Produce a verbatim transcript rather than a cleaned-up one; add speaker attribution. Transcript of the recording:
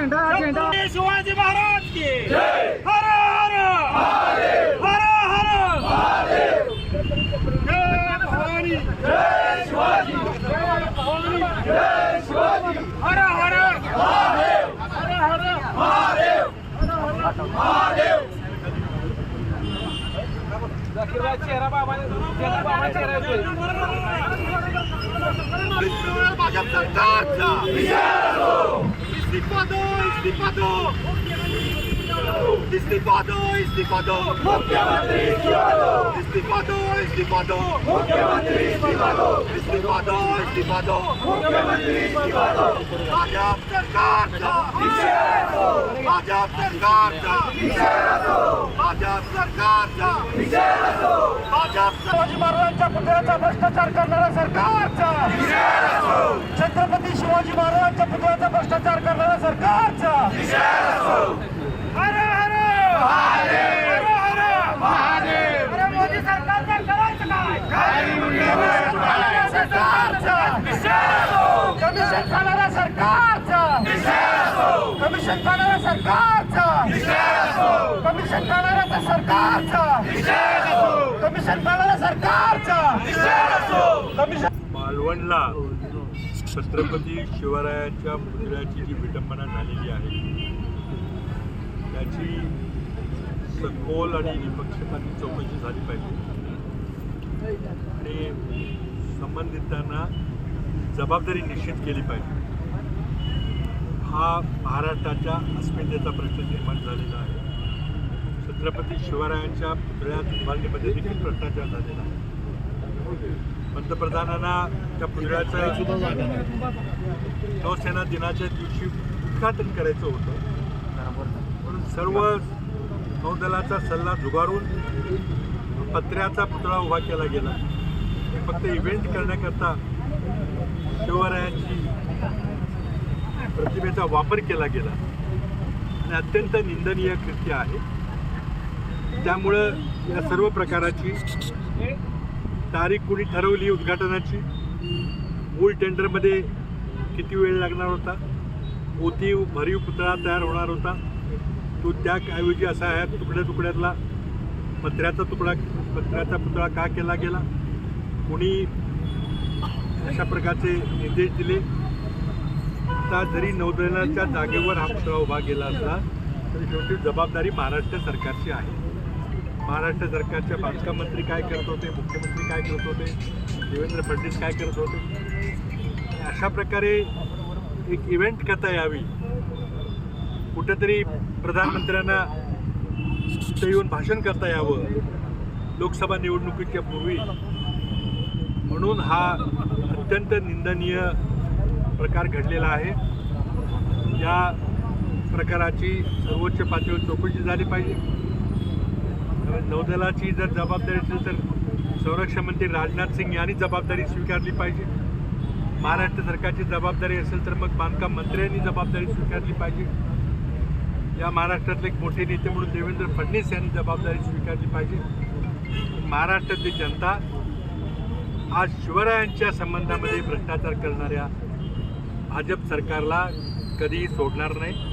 Speaker 1: झेंडा झेंडा
Speaker 2: शिवाजी महाराज की हर हर हर हर महादेव जय भवानी जय शिवाजी जय भवानी जय शिवाजी हर हर महादेव हर हर महादेव महादेव चेहरा बाबा चेहरा चेहरा भाजप सरकारचा इस्तीफा दो इस्तीफा दो इस्तीफा दो इस्तीफा दो मुख्यमंत्री इस्तीफा दो इस्तीफा दो मुख्यमंत्री इस्तीफा दो इस्तीफा दो इस्तीफा दो मुख्यमंत्री इस्तीफा दो भाजप सरकारचा भाजप सरकारचा भाजप सरकारचा भाजप शिवाजी महाराजांच्या पुतळ्याचा भ्रष्टाचार करणारा सरकारचा छत्रपती शिवाजी महाराजांच्या पुतळ्याचा भ्रष्टाचार करणारा सरकारचा हर हर महादेव हर हर महादेव अरे मोदी सरकारचं करायचं काय सरकारचा कमिशन खाणारा सरकारचा कमिशन खाणारा सरकारचा कमिशन खाणारा सरकारचा कमिशन खाणारा सरकारचा कमिशन
Speaker 3: मालवणला छत्रपती शिवरायांच्या पुतळ्याची जी विटंबना झालेली आहे त्याची सखोल आणि निपक्षपाती चौकशी झाली पाहिजे आणि संबंधितांना जबाबदारी निश्चित केली पाहिजे. हा महाराष्ट्राच्या अस्मितेचा प्रश्न निर्माण झालेला आहे. छत्रपती शिवरायांच्या पुतळ्यात उभारणीमध्ये देखील भ्रष्टाचार झालेला आहे. पंतप्रधानांना त्या पुतळ्याचं नौसेना दिनाच्या दिवशी उद्घाटन करायचं होतं म्हणून सर्व नौदलाचा सल्ला झुगारून पत्र्याचा पुतळा उभा केला गेला. फक्त इव्हेंट करण्याकरता शिवरायांची प्रतिमेचा वापर केला गेला आणि अत्यंत निंदनीय कृत्य आहे. त्यामुळं या सर्व प्रकाराची तारीख कुणी ठरवली उद्घाटनाची, मूळ टेंडरमध्ये किती वेळ लागणार होता, मोती भरीव पुतळा तयार होणार होता, तो त्याऐवजी असा ह्या तुकड्या तुकड्यातला पत्र्याचा तुकडा पत्र्याचा पुतळा का केला गेला, कोणी अशा प्रकारचे निर्देश दिले. आता जरी नौदलाच्या जागेवर हा पुतळा उभा केला असला तरी शेवटी जबाबदारी महाराष्ट्र सरकारची आहे. महाराष्ट्र सरकारचे बांधकाम मंत्री काय करत होते, मुख्यमंत्री काय करत होते, देवेंद्र फडणवीस काय करत होते. अशा प्रकारे एक इव्हेंट करता यावी, कुठेतरी प्रधानमंत्र्यांना तिथे येऊन भाषण करता यावं लोकसभा निवडणुकीच्या पूर्वी, म्हणून हा अत्यंत निंदनीय प्रकार घडलेला आहे. या प्रकाराची सर्वोच्च पातळीवर चौकशी झाली पाहिजे. नौदलाची जर जबाबदारी असेल तर संरक्षण मंत्री राजनाथ सिंग यांनी जबाबदारी स्वीकारली पाहिजे. महाराष्ट्र सरकारची जबाबदारी असेल तर मग बांधकाम मंत्र्यांनी जबाबदारी स्वीकारली पाहिजे. या महाराष्ट्रातले एक मोठे नेते म्हणून देवेंद्र फडणवीस यांनी जबाबदारी स्वीकारली पाहिजे. महाराष्ट्रातली जनता आज शिवरायांच्या संबंधामध्ये भ्रष्टाचार करणाऱ्या भाजप सरकारला कधीही सोडणार नाही.